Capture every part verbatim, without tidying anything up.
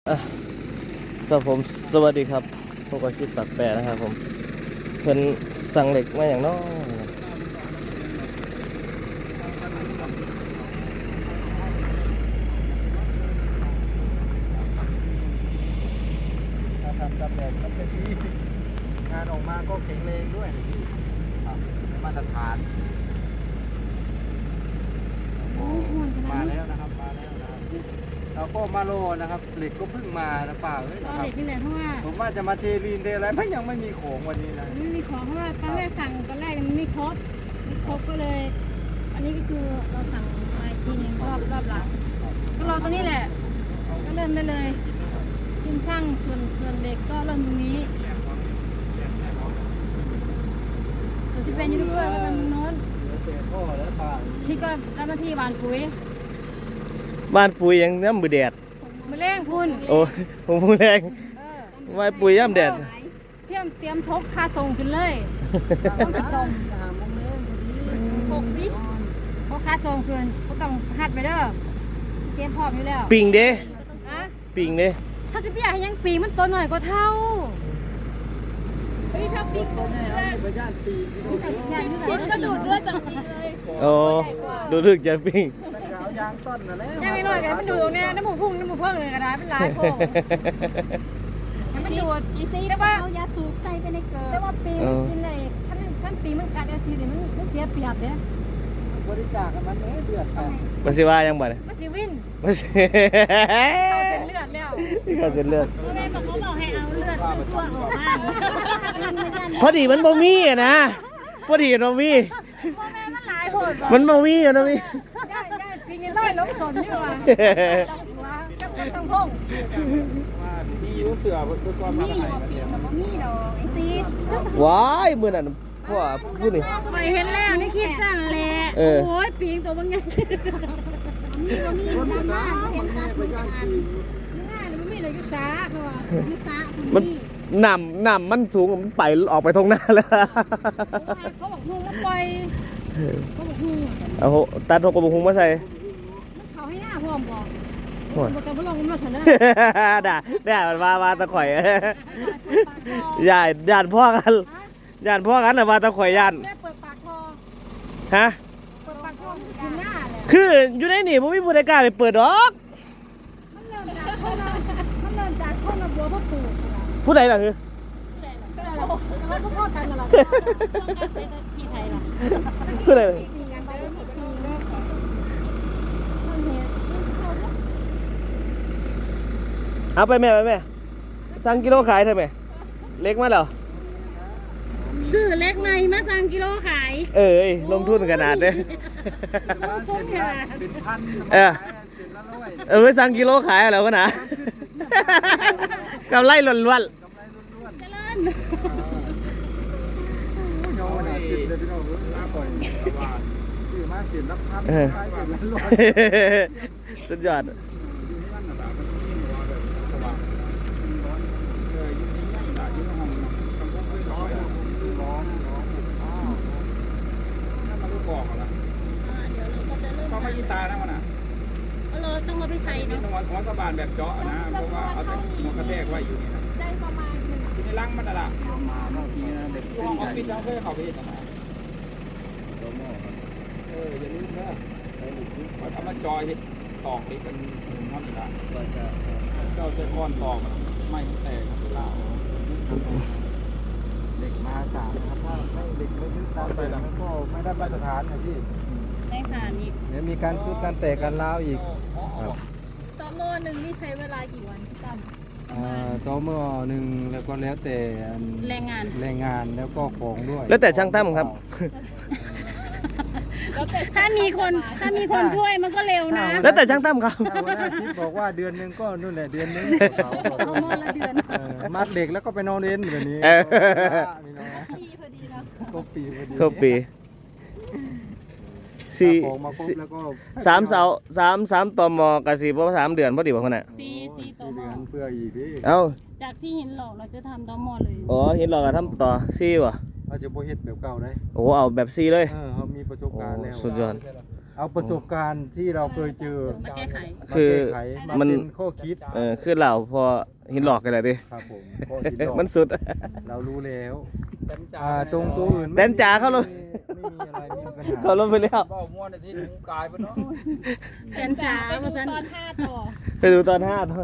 อ่ะครับผมสวัสดีครับพวกอาชีพตัดแปรนะครับผมเพิ่นสั่งเหล็กมาอย่างน้อยถ้าทำตำแหน่งมันจะดีงานออกมาก็แข็งแรงด้วยนะพี่ครับมาตรฐานมาแล้วนะครับมาแล้วนะครับเราก็มาโลนะครับเหล็กก็เพิ่งมานะป่าเอ้ยตนะอนครับเด็กนี่แหละเพราะว่าผมว่าจะมาเทลีนเทอะไรไม่ยังไม่มีของวันนี้นะไม่มีของเพราะว่าตอนแรกสั่งตอนแรกมันไม่ครบไม่ครบก็เลย อันนี้ก็คือเราสั่งมาอีกทีหนึงรอบรอบหลังก็รอตรงนี้แหละ ก็เริ่มได้เลยทีมช่างส่วนส่วนเด็กก็เริ่มตรงนี้ส่วนที่เป็นยูทูบเบอร์ก็ทางโน้นเสียท่อแล้วป่าชิคก็รับหน้าที่หวานปุ๋ยบ้านปุ๋ยยังน้ำมือแดดมาเร่งคุณโอ้ผมพูดแรงเออไม่ปุ๋ยย่ำแดดเตรียมเตรียมทบค่าส่งขึ้นเลยต้องไปตรงหาโมงเล่นพอดีหกสิทบค่าส่งขึ้นก็ต้องหัดไปเด้อเตรียมพร้อมอยู่แล้วปิงเด้อะปิงเด้ถ้าสิบอยากให้ยังปีมันตัวหน่อยก็เท่าเฮ้ยถ้าปีตัวแน่เอาไปย่านปีที่โน่นชิ้นชิ้นก็ดูดเลือดจากปีเลยโอ้ดูถึกจะปิงมันก็เอายางต้นน่ะแหละยังไม่หน่อยกันมันดูตรงนี้น้ำหมูพุ่งน้ำหมูเพิ่งเลยกระดาษเป็นหลายโค้งยังไม่ดูดไอซีแต่ว่าเอายาสูบใส่ไปในเกลืแต่อว่าปีมันกินในขั้นขั้นปีมันกัดอาซีนี่มันมันเสียเปรียบเนี่ยบริจาคกันมันเอ้ยเดือดไปมาสิว่ายังบ่เนี่ยมันสิวินมาสิเข้าเส้นเลือดแล้วที่เขาเส้นเลือดพ่อแม่บอกเขาบอกให้เอาเลือดชั่วๆออกมาพอดีมันบ่มีอะนะพอดีมันบ่มีพ่อแม่มันหลายโผดมันบ่มีอะนะมีย่าย่าปีนี้ร้อยล้มสนนี่หว่าว่าจับต้องพงว่าที่ยูเสือเพื่อความมามีไหนหัวกันปีเนี่ยกมันบ่มีดอกไอซีว้ายมื้อนั้นพ่อพูดนี่ไปเห็นแล้วนี่คิดสั่นแหละเออโอ้ยปีงตัวบางไงมีบ่มีคนดำสาน้ำเห็นแม่ตาไปทุกย่านอันปีง่ายเลยไม่มีเลยยุสาเพราะว่ายุสะคุณมันนี่น้ำน้ำมันสูงมันไปออกไปตรงหน้าแล้วเขาบอกหุงแล้วปล่อยเขาบอกหุงเอาโหตัดหกกระบุงมาใส่มันเขาให้หน้าพร้อมบอกโอ้ยบอกแต่ว่าลองมันสันนะด่าด่ามันมามาตะข่อยย่านย่านพ่อกันย่านพ่อกันน่ะมาตะข่อยย่านได้เปิดปากคอฮะเปิดปากคอมันคือหน้าเลยคืออยู่ในนี่บ่มีผู้ใดกล้าไปเปิดดอกมันเริ่มจากคนละมันเริ่มจากคนละบัวพ่อปู่ผู้ใดล่ะคือก็ได้แล้วแต่ว่าพ่อกันกันละที่ไทยล่ะผู้ใดล่ะปีกันไปแล้วปีแล้วมันเห็นเอาไปแม่ไปแม่สั่งกิโลขายเถอะแม่เล็กมาแล้วซื้อเล็กในมาสั่งกิโลขายเอ้ยลงทุนขนาดเด้อบ้านเสร็จละเป็นพันเออเสร็จละร้อยเออไปสั่งกิโลขายแล้วกันนะ กำไรล้วนกำไรล้วนเจริญๆโยนสิบเลยพี่น้องลาปล่อยซื้อมาเสร็จละพันขายเสร็จละร้อยๆสุดยอดก็ไม่ยินตานะมันอ่ะเออต้องมาไปใช้นี่เนาะหัวหัวกระบาลแบบเจาะนะเพราะว่าเอาแต่หัวกระแทกไว้อยู่นี่นะได้ประมาณหนึ่งอยู่ในรังมันน่ะล่ะมาบางทีนะเด็กห้องออฟฟิศเราเคยเข้าไปเห็นมาเอออย่าลืมนะว่าทำมาจอยเห็ดตอกนี่เป็นน้ำตาเจ้าเจ้าก้อนตอกไม่แตกเวลาเด็กมาสามนะครับถ้าไม่เด็กไม่ยึดตามไปแล้วก็ไม่ได้มาตรฐานนะพี่ได้ค่ะนี่เดี๋ยวมีการซุดการแตกการล้าวอีกตอโลนึงนี่ใช้เวลากี่วันพี่ตั้มอ่าต่อเมื่อหนึ่งแล้วก็แล้วแต่อันแรงงานแรงงานแล้วก็ของด้วยแล้วแต่ช่างตั้มครับถ้ามีคนถ้ามีคนช่วยมันก็เร็วนะแล้วแต่ช่างตั้มครับถ้าหัวหน้าชิปบอกว่าเดือนหนึงก็นู่นแหละเดือนหนึงเขาบอกเอาหม้อละเดือนเออมัดเด็กแล้วก็ไปนอนเอ็นแบบนี้เออพี่น้องดีพอดีเนาะครบปีพอดีครบปีสี่ถ้าของมาครบแล้วก็สามเสาสามสามตอมอกะสีเพราะว่าสามเดือนพอดีบ่คนน่ะซีซีต่อสี่หม้เดืออนเพื่ออีกพี่เอ้าจากที่เห็นหลอกเราจะทำต่อหม้อเลยอ๋อเห็นหรอกอะทำต่อซี่วะเราจะโบเฮ็ดแบบเก่าได้โอ้เอาแบบซี่เลยเออเขามีประสบการณ์แล้วโอ้สุดยอดเเอาประสบการณ์ที่เราเคยเจอมาแก้ไขมาคือแก้ไขมามันเป็นข้อคิดเออคือเราพอหินหลอกกันเลยดิครับผมข้อคิดเรามันสุดเรารู้แล้วเต็มจ่าอ่าตรงตัวอื่นแดนจ๋าเข้าลงไม่มีอะไรไม่มีปัญหาเขาลงไปแล้วเบ้าม้วนในที่หนูกายไปเนาะแกนจ๋าไปดูว่าซั่นตอนห้าต่อไปดูตอนห้าตอน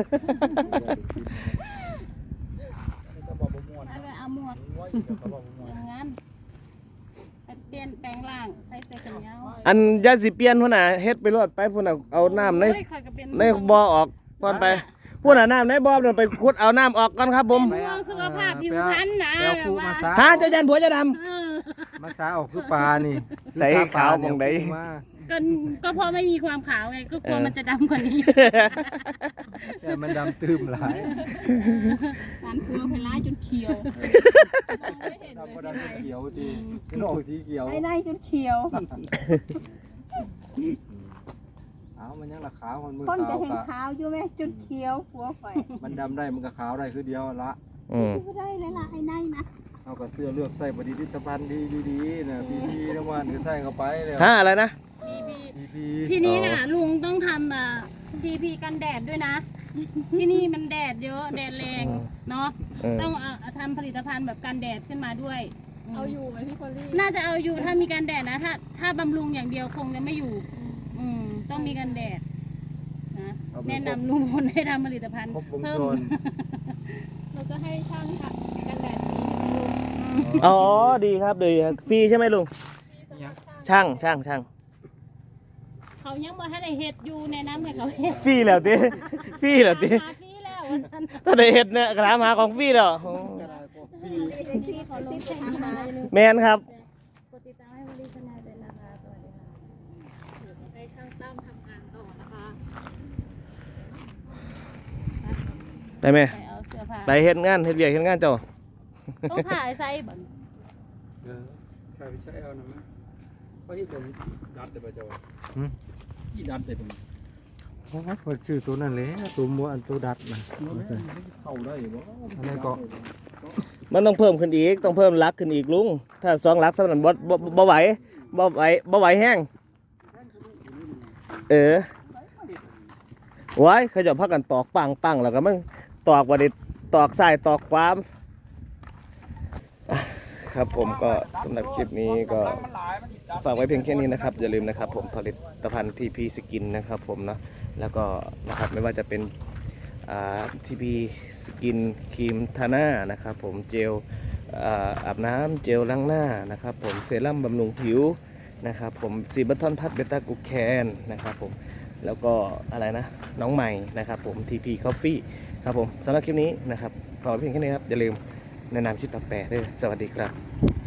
นี่ก็บอกบ่ม้วนเอาไปเอาหมวกม้วนอีกก็บอกบ่ม้วนอย่างนั้นไปเปลี่ยนแปลงร่างใส่เสื้อกันยาวอันยาสิเปลี่ยนพุ่นน่ะเฮ็ดไปรอดไปพุ่นน่ะเอาน้ำในโอ้ยข้อยก็เป็นในบ่อออกก่อนไปพุ่นน่ะน้ำในบ่อนั่นไปขุดเอาน้ำออกก่อนครับผมห่วงสุขภาพผิวพรรณนะแปลคู่มาซาหาเจ้ายันผัวเจ้าดเออมาซาออกคือปลานี่ใส่ขาวมองใดคือปลาเนี่ยก็ก็เพราะไม่มีความขาวไงก็กลัวมันจะดำกว่านี้ำแต่มันดำตื้มหลายร้านทัวร์ไปร้ายจนเขียวดำก็ดำเขียวดีนอกสีเขียวไอ้นายจนเขียวเอามันยังละขาวมันมือคนจะขาวเห็นกะขาวอยู่ไหมจนเขียวหัวไฟมันดำได้มันก็ขาวได้คือเดียวละอืมไม่ได้เลยล่ะไอ้นายนะเอากับเสื้อเลือกใส่บดีดิตภัณฑ์ดีดีๆนะพีพีน้ำมันก็ใส่เข้าไปเลยฮะอะไรนะพีพีทีนี้น่ะลุงต้องทำอ่ะทีพีกันแดดด้วยนะ ที่นี่มันแดดเยอะแดดแรงเนาะเออต้องเอาทำผลิตภัณฑ์แบบกันแดดขึ้นมาด้วยเอาอยู่ไหมพี่พอลลี่น่าจะเอาอยู่ถ้ามีกันแดดนะ ถ้าถ้าบำรุงอย่างเดียวคงจะไม่อยู่ อืมต้องมีกันแดดนะแนะนำลุงพลให้ทำผลิตภัณฑ์ครบวงเพิ่มจรเราจะให้ช่างทำกันแดดนี้อ๋อดีครับดีครับฟรีใช่ไหมลุงช่างช่างช่างเขายังบ่ทันได้เฮ็ดอยู่แนะนำให้เขาเฮ็ดฟรีแล้วติฟรีแล้วติหาฟรีแล้วว่าซั่นถ้าได้เฮ็ดเนี่ยกระถามหาของฟรีแล้วโอ้ฟรีซีได้ซีขอซีไปทำมาแมนครับกดติดตามให้บริษัทนายด้วยนะคะสวัสดีค่ะให้ช่างตั้มทำงานต่อนะคะไปไหมไปเอาเสื้อผ้าไปเฮ็ดงานเฮ็ดเวียกเฮ็ดงานเจ้าต้องถ่ายไซส์บ่เออใช่ไปใช้เอานะมั้ยเพราะที่ผมดัดแต่ประจอที่ดัดแต่ผมโอ้ยเปิดซื้อตัวนั้นเลยตัวมัวอันตัวดัดนะเข้าได้บ่อันนั้นก็มันต้องเพิ่มขึ้นอีกต้องเพิ่มลักขึ้นอีกลุงถ้าสองลักสำหรับบ่บ่บ่ไหวบ่ไหวบ่ไหวแห้งเออไว้เขาจะพักกันตอกปังปังแล้วก็มันตอกว่าได้ตอกซ้ายตอกขวาครับผมก็สำหรับคลิปนี้ก็ฝากไว้เพียงแค่นี้นะครับอย่าลืมนะครับผมผลิตภัณฑ์ทีพีสกินนะครับผมนะแล้วก็นะครับไม่ว่าจะเป็นทีพีสกินครีมทาหน้านะครับผมเจลอ่าอาบน้ำเจลล้างหน้านะครับผมเซรั่มบำรุงผิวนะครับผมซีบัตทอนพัดเบต้ากูแคนนะครับผมแล้วก็อะไรนะน้องใหม่นะครับผม ที พี Coffee ครับผมสำหรับคลิปนี้นะครับขอเพียงแค่นี้ครับอย่าลืมแนะนำชิดต่อแปรด้วยสวัสดีครับ